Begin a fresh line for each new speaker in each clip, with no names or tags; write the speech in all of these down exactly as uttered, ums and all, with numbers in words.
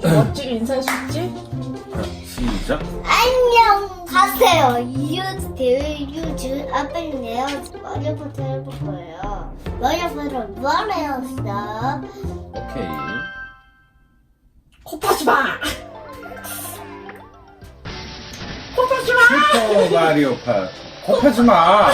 멋지게 인사해 주지?
시작.
안녕 가세요. 유즈 대회 유즈 아빠는요 머리부터 해볼 거예요. 머리부터 뭘 해왔어?
오케이.
코파지 마! 코파지 마!
슈퍼 마리오 파. 겁하지 마.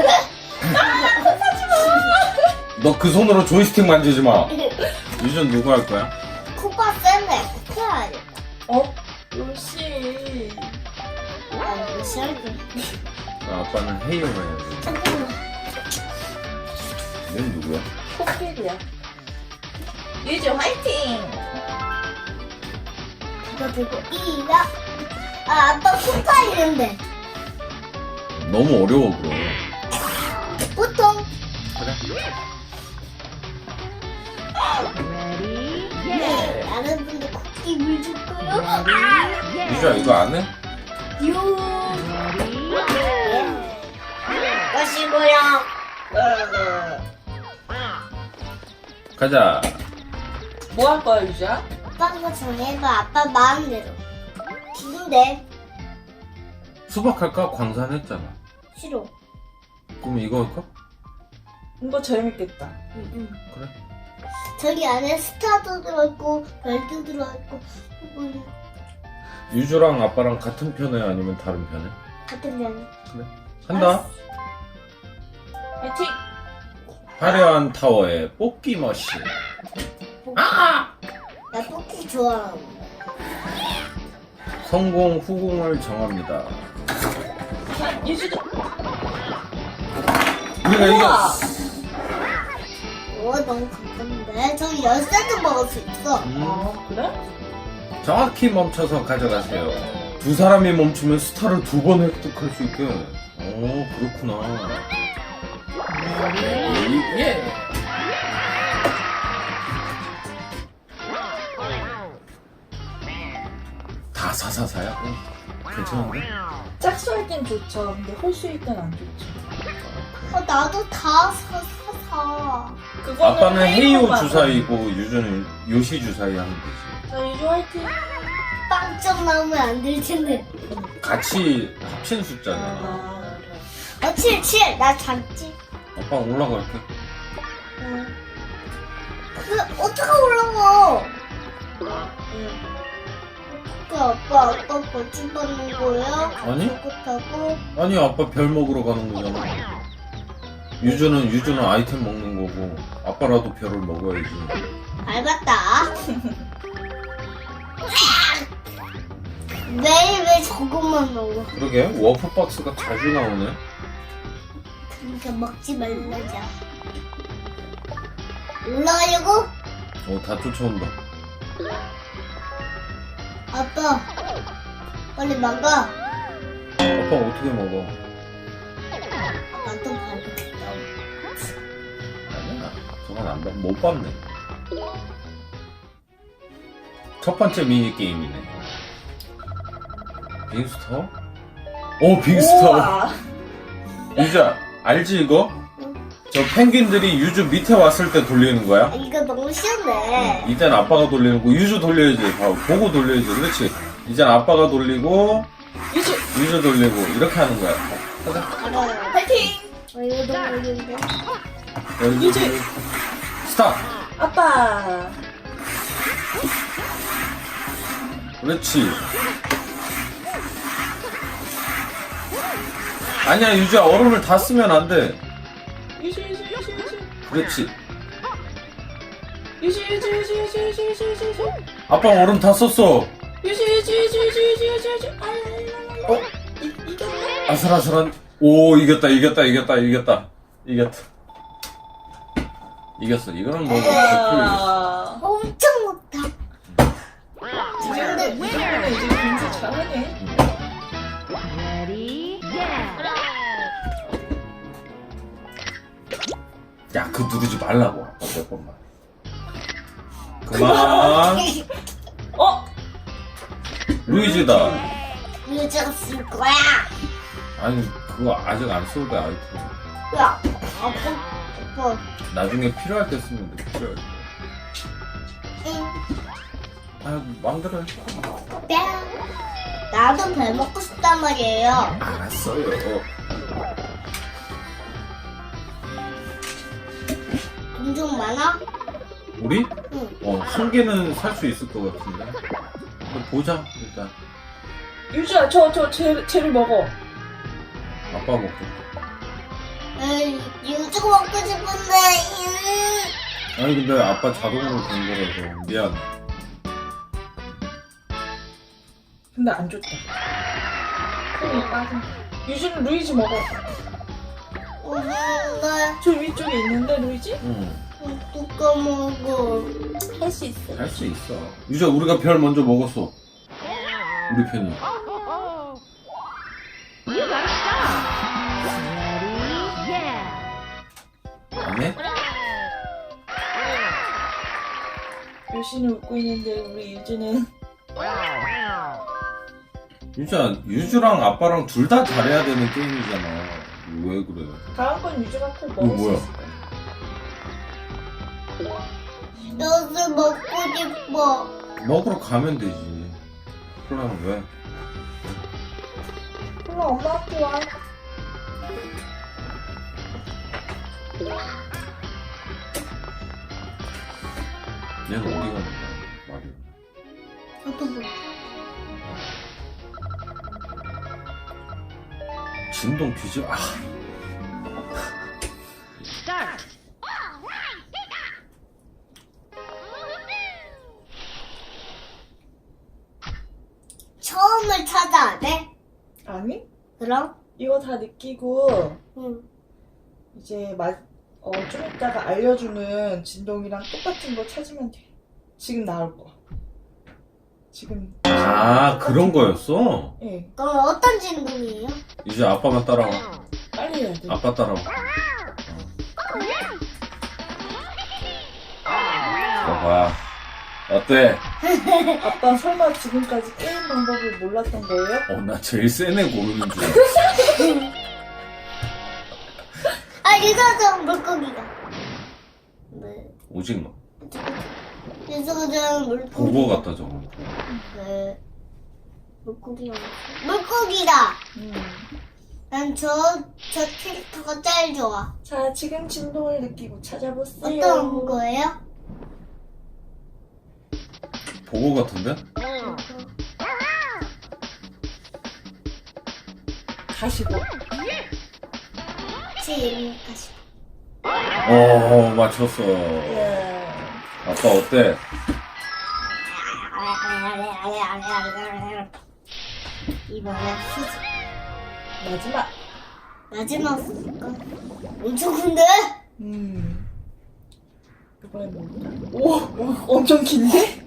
너 그 손으로 조이스틱 만지지 마. 유전 누구 할 거야?
코가 센데 어떻게 해야
어? 요시.
아 무시할게.
아, 아빠는 헤이오만 해야지.
잠깐만.
얘는 누구야?
코끼리야. 유지 화이팅!
이거 들고 이가 아 아빠 코가 있는데
너무 어려워 그럼.
보통
그래.
네 다른 분들 코끼리 물줄 거요.
유주야 이거 안 해?
요. 것이고요.
가자.
뭐 할 거야, 유지야?
아빠가 정해봐. 아빠 마음대로. 기분데
수박 할까? 광산 했잖아.
싫어.
그럼 이거 할까?
이거 재밌겠다.
응.
그래.
저기 안에 스타도 들어있고 별도 들어있고 음,
유주랑 아빠랑 같은 편에 아니면 다른 편에?
같은 면.
그래. 한다.
화이팅!
화려한 타워에 뽑기 머신.
아! 나 뽑기 좋아하는데.
성공 후공을 정합니다.
자, 유지도.
우리가
우와!
이겼어.
오 너무 가깝네. 저기 열쇠도 먹을 수 있어.
음,
아, 그래?
정확히 멈춰서 가져가세요. 두 사람이 멈추면 스타를 두 번 획득할 수 있게. 오, 그렇구나. 예. 다 사사사야? 어, 괜찮은데?
짝수할 땐 좋죠. 근데 홀수일 땐 안 좋죠.
어 나도 다 사, 사, 사.
그거는
아빠는 헤이오
헤이오만.
주사위고 유주는 요시 주사위 하면 되지.
자, 유주 화이팅!
빵점 나오면 안 될 텐데.
같이 합친 숫자잖아.
아,
어, 칠, 칠. 나 작지.
아빠 올라갈게.
응. 그, 어떻게 올라가? 그 아빠, 아빠 벌칙 받는 거야?
아니?
그렇다고?
아니 아빠 별 먹으러 가는 거잖아. 유주는 유주는 아이템 먹는 거고 아빠라도 별을 먹어야지.
밟았다. 매일 왜 저것만 먹어?
그러게 워프 박스가 자주 나오네.
그러니까 먹지 말라자. 올라가려고?
어다 쫓아온다.
아빠, 빨리 막아.
아빠 어떻게 먹어?
아빠 또 밟았다.
아니야 저건 안 봐. 못 봤네. 첫 번째 미니 게임이네. 빙스터? 오 빙스터.
우와!
유주야 알지 이거? 저 펭귄들이 유주 밑에 왔을 때 돌리는 거야?
아, 이거 너무 쉬운데.
이젠 아빠가 돌리는 거 유주 돌려야지. 봐, 보고 돌려야지. 그렇지. 이젠 아빠가 돌리고
유주!
유주 돌리고 이렇게 하는 거야. 가자.
알아요.
화이팅!
어, 이거 너무 어려운데.
여기
유주!
스탑.
아빠!
그렇지. 아니야 유주야 얼음을 다 쓰면 안 돼.
유주, 유주, 유주, 유주!
그렇지.
유주, 유주, 유주, 유주, 유주, 유주, 유주, 유주!
아빠 얼음 다 썼어.
유주, 유주, 유주, 유주, 유주, 유주, 유주!
어?
이, 이겼네?
아슬아슬한. 오 이겼다 이겼다 이겼다 이겼다 이겼다. 이겼어. 이거는 뭐 백 퍼센트 이겼어.
와.
엄청 높다.
이 정도, 이 정도면 이제 굉장히 잘하네.
야, 그 누르지 말라고. 아빠 몇 번만. 그만.
어?
루이지다.
유저가 쓸 거야.
아니, 그거 아직 안 써도 돼, 아이템.
야, 아빠, 아빠.
나중에 필요할 때 쓰면 돼, 필요할 때.
응.
아 마음대로 해.
뺨. 나도 배 먹고 싶단 말이에요.
알았어요.
돈 좀 많아?
우리?
응.
어, 한 개는 살 수 있을 것 같은데. 한번 보자, 일단.
유주야, 저, 저, 쟤, 쟤를 먹어.
아빠 먹고.
에이, 유주 먹고 싶은데. 음.
아니, 근데 아빠 자동으로 된 거라서. 미안.
근데 안 좋다. 손이 빠진다. 유주는 루이지 먹어.
어, 근데
저 위쪽에 있는데, 루이지?
응,
누가 먹어?
할 수 있어.
할 수 있어. 유자, 우리가 별 먼저 먹었어. 우리 편이. 안 해?
유신이 웃고 있는데, 우리 유주는.
유자, 유주랑 아빠랑 둘 다 잘해야 되는 게임이잖아. 왜 그래?
다음번 유주가 꼭
이거
먹을 수
뭐야?
있을 거야.
여기 먹고 싶어.
먹으러 가면 되지. 콜라는 왜?
그럼 엄마한테 와.
얘는 어디 가는 거야? 말이.
저도 뭐.
진동 뒤집. 아.
처음을 찾아야 돼?
아니?
그럼?
이거 다 느끼고,
응.
이제 마, 어, 좀 이따가 알려주는 진동이랑 똑같은 거 찾으면 돼. 지금 나올 거야. 지금.
아, 그런 거였어?
예.
그럼 어떤 진동이에요?
이제 아빠만 따라와.
빨리 해야 돼.
아빠 따라와. 봐봐. 어때?
아빠 설마 지금까지 게임 방법을 몰랐던 거예요?
어, 나 제일 센 애 고르는 줄 알았어.
아, 유서정 물고기가. 네.
오징어.
유서정 물고기.
보고 같다, 저거.
네. 물고기가. 물고기다!
음.
난 저, 저 캐릭터가 제일 좋아.
자, 지금 진동을 느끼고 찾아보세요.
어떤 거예요?
보고 같은데?
가시고.
지금 다시.
어, 맞췄어.
예.
아빠 어때?
이번엔 수지.
마지막.
마지막 수지가 엄청 큰데?
음. 이번엔 뭘까? 오, 오, 엄청 긴데?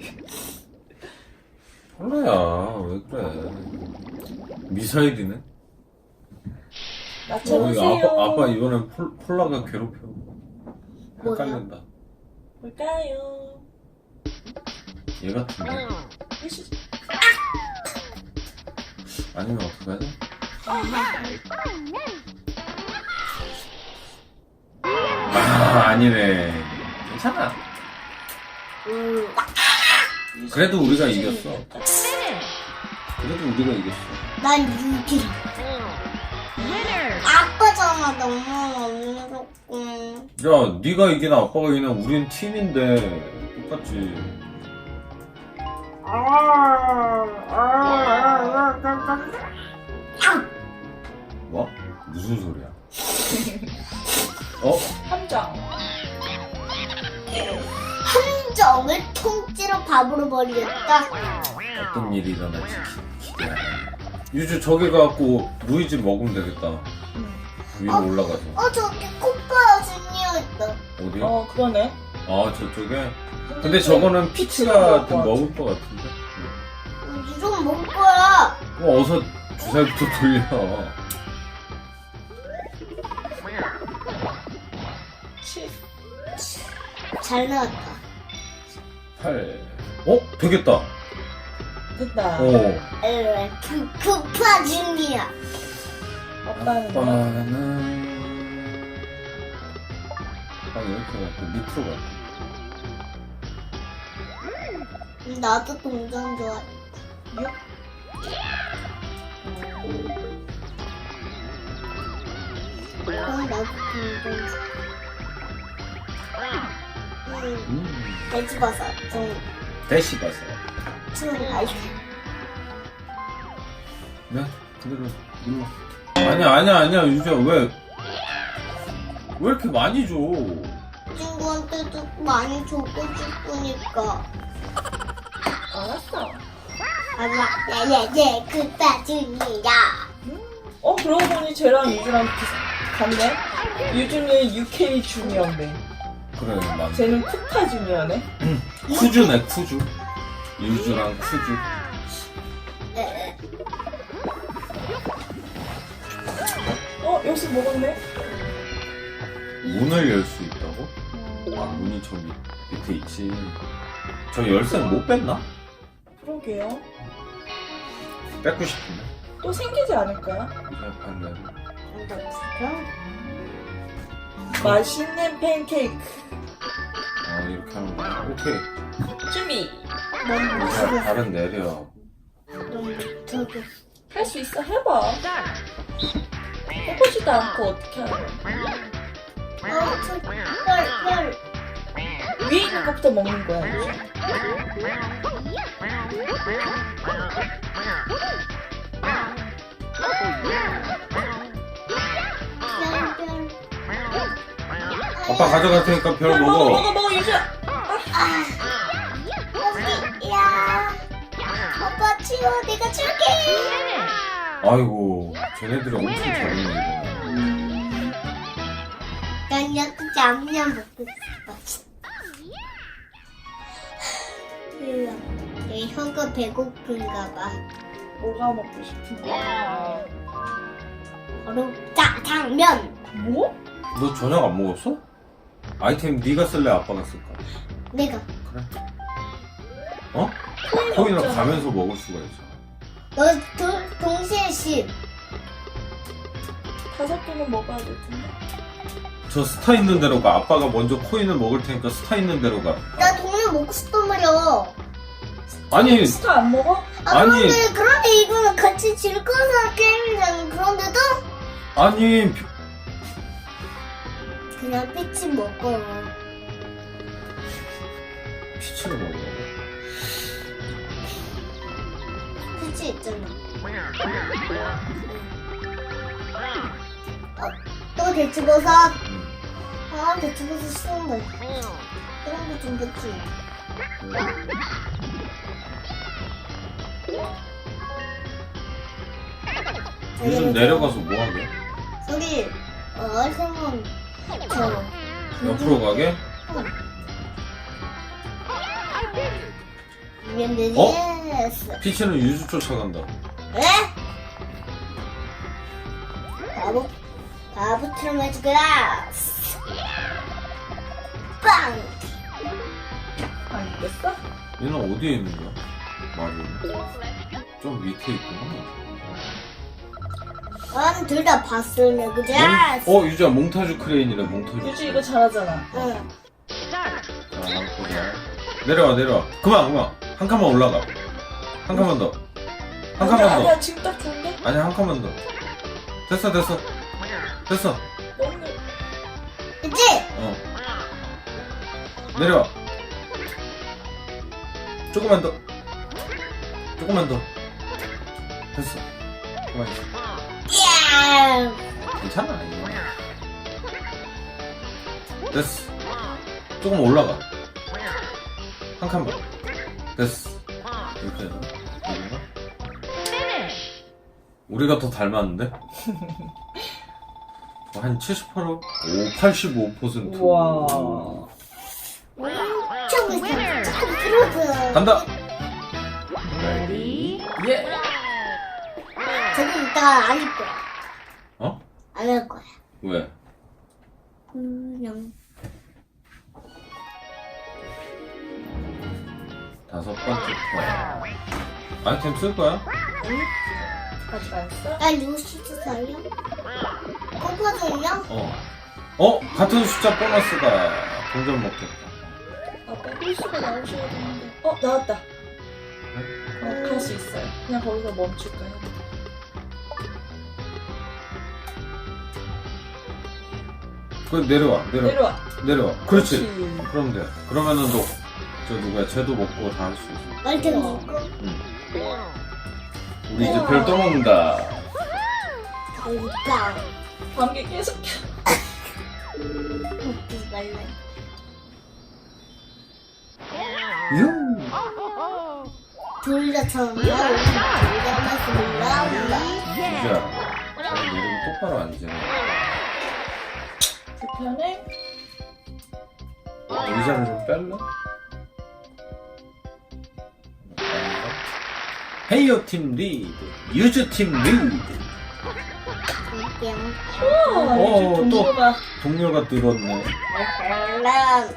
폴라야, 왜 그래? 미사일이네? 어,
맞춰보세요.
이거 아빠, 아빠 이번엔 폴, 폴라가 괴롭혀. 헷갈린다.
뭘까요?
얘 같은데?
해주세요.
아니면 어떡하지? 아, 아니네. 괜찮아.
음,
그래도 우리가 이겼어. 그래도 우리가 이겼어.
난 유기. 아빠잖아, 너무 어렵고.
야, 네가 이기나 아빠가 이기나 우린 팀인데 똑같지. 뭐? 무슨 소리야? 어?
함정.
함정을 통째로 밥으로 버리겠다.
어떤 일이 일어날지 기대해. 유주 저기 가갖고 루이지 먹으면 되겠다.
음.
위로
어?
올라가서.
어, 저기 코파 주니어 있다.
어디?
어, 그러네.
아, 저쪽에? 근데 저거는 피치가 좀 먹을 것 같은데?
음, 이건 먹을 거야.
어, 어서 주사위부터 돌려.
칠.
잘 나왔다.
팔. 어? 되겠다.
됐다.
어.
에, 그, 코파 주니어.
아빠는 뭐?
아빠는. 아, 이렇게 갈게. 밑으로 갈게.
나도 동전 좋아해.
육?
그럼 나도 동전 좋아해. 음,
음.
돼지버섯. 좀,
대시 봤어요.
좀 맛있어.
네, 그대로 눌러. 아니야, 아니야, 아니야, 유주야, 왜, 왜 이렇게 많이 줘?
친구한테도 많이 주고 싶으니까.
알았어.
엄마, 예예예, 그따 준이야.
어, 그러고 보니 쟤랑 유주랑 비슷, 같네? 유주는 유케이 주니어인데.
그래, 맞네.
쟤는 쿠타 주니어네.
쿠주네, 쿠주. 유주랑 쿠주.
네.
어, 여기서 먹었네?
문을 열 수 있다고? 아, 문이 저 밑, 밑에 있지. 저 열쇠는 못 뺐나?
그러게요.
뺏고 싶은데.
또 생기지 않을까요?
이제 봤네.
맛있는 팬케이크.
아, 이렇게 하는 거야. 오케이.
준비.
넌
자,
못하겠어.
발은 내려.
넌 못하겠어.
할 수 있어. 해봐. 해보지도 않고 어떻게 하냐.
어, 저, 별, 별.
위에 있는 것부터 먹는 거야. 유주.
별, 별.
아빠 가져갈 테니까 별
야, 먹어,
먹어.
먹어, 먹어, 유주.
여기, 야. 오빠 치워, 내가 줄게.
아이고, 쟤네들이 엄청 잘했네, 이거.
난 이렇게 냠냠 먹고 싶어. 내 혀가 배고픈가 봐.
뭐가 먹고 싶은데?
바로 짜장면.
뭐?
너 저녁 안 먹었어? 아이템 네가 쓸래, 아빠가 쓸까?
내가.
그래. 어?
코인
코인을
없잖아.
가면서 먹을 수가 있어.
너 도, 동시에 십.
다섯 개는 먹어야 될 텐데.
저 스타 있는 대로 가. 아빠가 먼저 코인을 먹을 테니까 스타 있는 대로 가.
나 동면 먹고 싶단 말이야.
아니,
스타 안 먹어?
아,
아니.
그런데, 그런데 이거는 같이 즐거운 게임이잖아. 그런데도
아니,
그냥 피치 먹어.
피치를 먹으라고.
피치 있잖아. 어, 또 대추버섯.
응.
아, 대추버섯 싫은데. 그런 거 좀 넣지.
요즘 내려가서 뭐 하게?
저기, 어, 생선, 저.
옆으로 가게?
미안해.
어?
예스.
피치는 유주 쫓아간다.
에? 바보, 바보처럼 해줄 거야. 빵!
안 있겠어?
얘는 어디에 있는 거야? 마리오는? 좀 밑에 있구나.
난 둘 다 봤을래, 그지?
몽- 어, 유주야, 몽타주 크레인이래, 몽타주.
유주 이거 잘하잖아.
응.
자, 한번 보자. 내려와, 내려와. 그만, 그만. 한 칸만 올라가. 한 칸만 더. 한
아니야,
칸만 더.
아니야, 지금 딱 좋은데?
아니, 한 칸만 더. 됐어, 됐어. 됐어.
너무
그치?
어. 내려와. 조금만 더. 조금만 더. 됐어. 그만 있어.
예!
괜찮아, 이거. 됐어. 조금 올라가. 한 칸만. 됐어. 이렇게 해서. 여기가. 우리가 더 닮았는데? 한 칠십 퍼센트? 오, 팔십오 퍼센트.
우와.
엄청 있어. 조금 들어줘.
간다!
레디 예.
저기 이따가 안 할 거야.
어?
안 할 거야.
왜?
그냥.
다섯 번째 터. 아이템 쓸 거야?
아니? 아직 안 써?
나 루시드 살려? 뽑아줬냐?
어. 어? 같은 숫자 보너스다. 동전 먹겠다.
아빠 필수가 나오셔야 되는데. 어, 나왔다. 어, 갈 수 있어요. 그냥 거기서 멈출까요?
그 내려와 내려와
내려와.
내려와. 그렇지.
그렇지.
그럼 돼. 그러면은 너 저 누구야? 쟤도 먹고 다 할 수 있어.
빨리 먹고.
응. 우리 이제 별 떠먹는다.
그러니까.
감기 계속 켜.
먹지 말래.
유.
돌려처럼 돌려면서 몰라 몰라.
유주야. 잘 내리면 똑바로 앉아.
불편해?
의자를 좀 뺄래? 헤이오 팀 리드, 유주 팀 리드.
그냥
우와,
어,
이제
또.
동료가.
동료가 늘었네.
난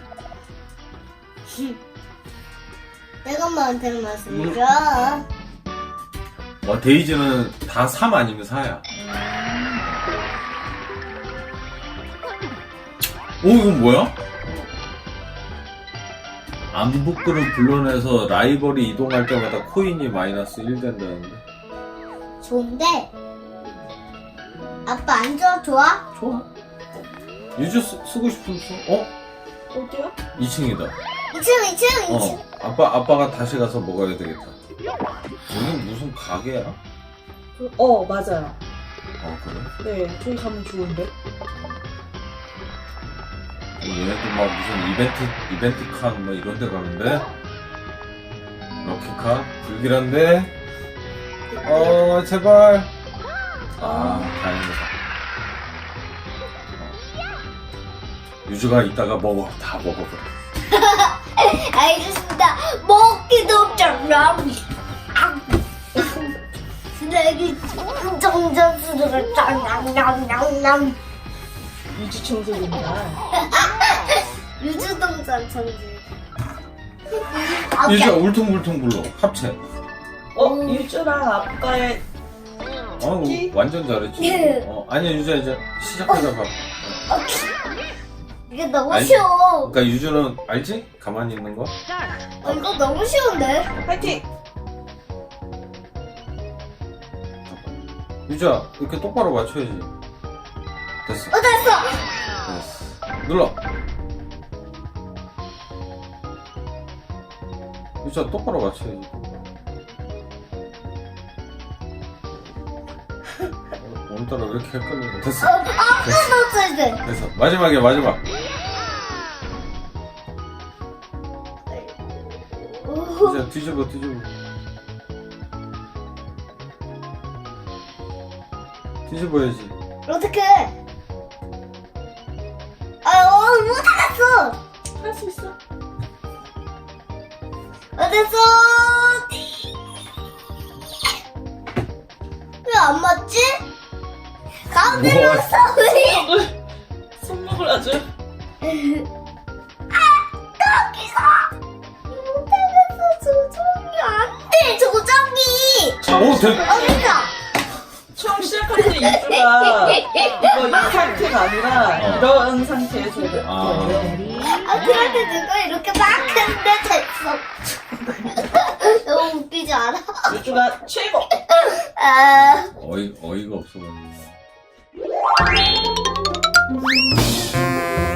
내가 엄마한테 말씀드려.
와, 데이지는 다 삼 아니면 사야. 오, 이건 뭐야? 안부끄를 불러내서 라이벌이 이동할 때마다 코인이 마이너스 일 된다는데.
좋은데 아빠 안 좋아? 좋아?
좋아. 유주 쓰, 쓰고 싶으면 써. 어?
어디야?
이 층이다.
이 층 이 층 이 층.
어. 아빠, 아빠가 다시 가서 먹어야 되겠다. 여긴 무슨 가게야?
그- 어, 맞아요.
어, 그래?
네, 저기 가면 좋은데.
얘네들 막 무슨 이벤트, 이벤트 칸, 뭐 이런 데 가는데? 럭키카? 불길한데? 어, 제발. 아, 다행이다. 어. 유주가 이따가 먹어. 다 먹어버려.
알겠습니다. 먹기도 짱나. 쓰레기 정전수를 짱냥냥냥냥.
유지 청소기구나.
유주동산 천지.
유주야, 울퉁불퉁 불러. 합체.
어, 유주랑 아빠의
어,
찾기?
완전 잘했지. 어, 아니야, 유주야, 이제 시작하자 봐.
이게 너무
아니,
쉬워.
그러니까 유주는 알지? 가만히 있는 거?
어, 이거 너무 쉬운데?
파이팅!
유주야, 이렇게 똑바로 맞춰야지. 됐어.
어, 됐어.
됐어. 눌러. 유주야, 똑바로 맞춰야지. 오늘따라 왜 이렇게 헷갈리냐. 됐어.
어, 아, 끊었어야 돼.
됐어. 마지막이야, 마지막.
오,
유주야, 뒤집어, 뒤집어. 뒤집어야지.
어떡해. 아, 어, 못 알았어.
할 수 있어.
어, 됐어. 왜 안 맞지? 가운데로
뭐?
왔어.
손목을 아주.
못하겠어. 조정이 안 돼. 조정이.
오, 됐.
어디가?
처음 시작할 때 유주가 이거 이 상태가 아니라
어.
이런 상태에서 이렇게
아.
아, 그럴 때 누가 이렇게 막 했는데 됐어. 너무 웃기지 않아?
유주가 최고!
아.
어이, 어이가 없어가지고.